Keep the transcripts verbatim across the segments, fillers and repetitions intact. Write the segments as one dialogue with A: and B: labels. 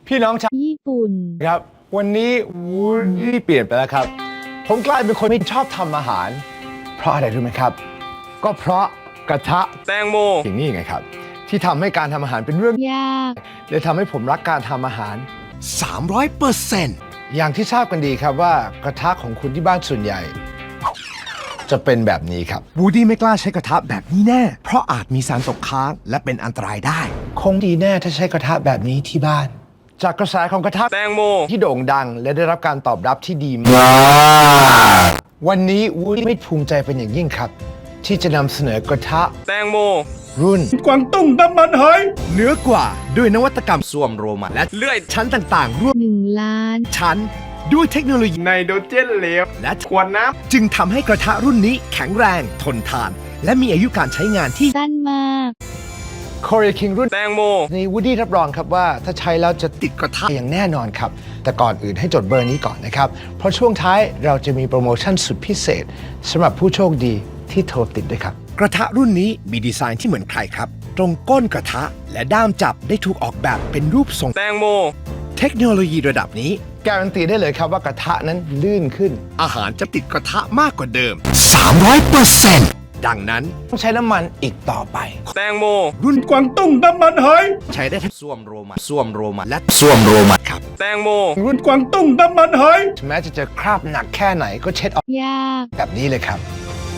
A: พี่น้องชาว
B: ญี่ปุ่น
A: ครับวันนี้วูดดี้เปลี่ยนไปแล้วครับผมกลายเป็นคนไม่ชอบทำอาหาร เพราะอะไรรู้ไหมครับ ก็เพราะกระทะ
C: แตงโม
A: อย่างนี้ไงครับที่ทำให้การทำอาหารเป็นเรื่อง
B: ยาก
A: เลยทำให้ผมรักการทำอาหาร
D: สามร้อยเปอร์เซ็นต์
A: อย่างที่ทราบกันดีครับว่ากระทะของคุณที่บ้านส่วนใหญ่ จะเป็นแบบนี้ครับ
D: วูดดี้ไม่กล้าใช้กระทะแบบนี้แน่ เพราะอาจมีสารตกค้างและเป็นอันตรายได้
A: คงดีแน่ถ้าใช้กระทะแบบนี้ที่บ้าน จากกระแสของกระทะ
C: แตงโม
A: ที่โด่งดังและได้รับการตอบรับที่ดีมาก วันนี้วูดดี้ภูมิใจเป็นอย่างยิ่งครับ ที่จะนำเสนอกระทะ
C: แตงโม
A: รุ่น
D: กวางตุ้งน้ำมันหอยเหนือกว่าด้วยนวัตกรรมส้วมโรมันและ
C: เลื่อย
D: ชั้นต่างๆร่วม
B: หนึ่งล้าน
D: ชั้น ด้วยเทคโนโลยี
C: ไนโตรเจนเหลว
D: และ
C: ขวดน้
D: จึงทำให้กระทะรุ่นนี้แข็งแรงทนทาน และมีอายุการใช้งานที่
B: สั้นมาก
A: Korea King รุ่น
C: ำแตงโม
A: นี้วูดดี้รับรองครับว่าถ้าใช้แล้วจะติดกระทะอย่างแน่นอนครับ แต่ก่อนอื่นให้จดเบอร์นี้ก่อนนะครับ เพราะช่วงท้ายเราจะมีโปรโมชั่นสุดพิเศษสำหรับผู้โชคดีที่โทรติดด้วยครับ
D: กระทะรุ่นนี้มีดีไซน์ที่เหมือนใครครับ ตรงก้นกระทะและด้ามจับได้ถูกออกแบบเป็นรูปทรง
C: แตงโม
D: เทคโนโลยีระดับนี้
A: การันตีได้เลยครับว่ากระทะนั้นลื่นขึ้น
D: อาหารจะติดกระทะมากกว่าเดิม สามร้อยเปอร์เซ็นต์ ดังนั้น
A: ต้องใช้น้ำมันอีกต่อไป
C: แตงโม
D: รุ่นกวางตุ้งน้ำมันหอยใช้ได้ทั้งส้วมโรมันส้วมโรมันและส้วมโรมันครับ
C: แตงโม
D: รุ่นกวางตุ้งน้ำมันหอย
A: ถึงแม้จะเจอคราบหนักแค่ไหนก็เช็ดออก
B: ยาก
A: แบบนี้เลยครับ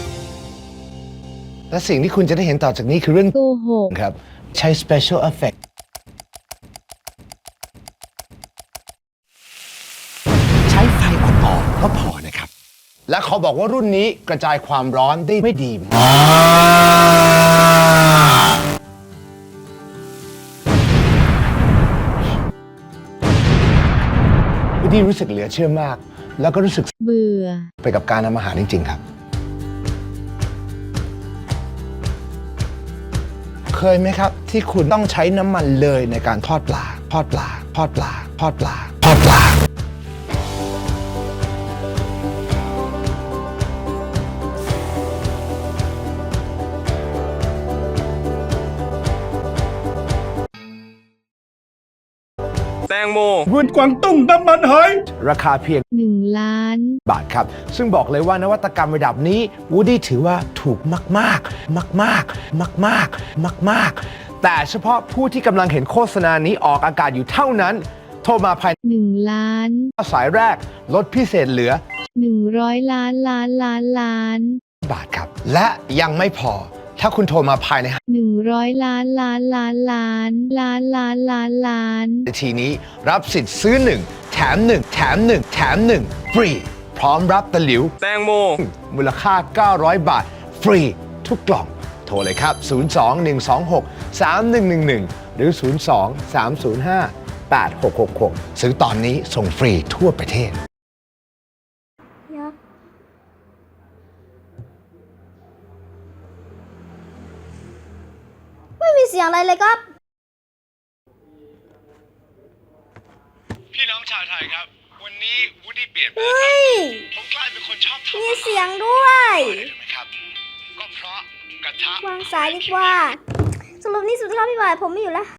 A: และสิ่งที่คุณจะได้เห็นต่อจากนี้คือเรื่อง
B: โกหก
A: ครับใช้ special effect
D: ใช้ไฟอ่อนๆก็พอนะครับ
A: และเขาบอกว่ารุ่นนี้กระจายความร้อนได้ไม่ดีมากวูดดี้รู้สึกเหลือเชื่อมาก แล้วก็รู้สึก
B: เบื่อ
A: ไปกับการทำอาหารจริงๆครับ เคยไหมครับที่คุณต้องใช้น้ำมันเลยในการทอดปลา ทอดปลา ทอดปลา ทอดปลา ทอดปลา
C: แตงโม
D: รุ่นกวางตุ้งน้ำมันหอย
A: ราคาเพียง
B: หนึ่งล้าน
A: บาทครับ ซึ่งบอกเลยว่านวัตกรรมระดับนี้วูดดี้ถือว่าถูกมากๆ มากๆ มากๆ มากๆ แต่เฉพาะผู้ที่กำลังเห็นโฆษณานี้ออกอากาศอยู่เท่านั้น โทรมาภายใน
B: หนึ่งล้าน
A: สายแรกลดพิเศษเหลือ
B: หนึ่งร้อยล้านล้านล้านล้าน
A: บาทครับ และยังไม่พอ ถ้าคุณโทรมาภายใน
B: หนึ่งร้อยล้านล้านล้านล้านล้านล้านล้านล้าน
A: นาทีนี้รับสิทธิ์ซื้อหนึ่งแถมหนึ่งแถมหนึ่งแถมหนึ่งฟรี พร้อมรับตะหลิว
C: แตงโม
A: มูลค่า เก้าร้อย บาท ฟรี ทุกกล่อง โทรเลยครับ ศูนย์ สอง หนึ่ง สอง หก สาม หนึ่ง หนึ่ง หนึ่ง หรือ ศูนย์ สอง สาม ศูนย์ ห้า แปด หก หก หก ซื้อตอนนี้ส่งฟรีทั่วประเทศ
E: ยักษ์ไม่มีเสียงอะไรเลยครับ
A: พี่น้องชาวไทยครับ วันนี้วูดดี้เปลี่ยนไป
E: เฮ้ย
A: ผมกลายเป็นคนชอบทำ
E: มีเสียงด้วย
A: ไหมครับ ก็เพราะกระทะ
E: วางสายดีกว่า สรุปนี่สุดท้ายพี่บายผมไม่อยู่แล้ว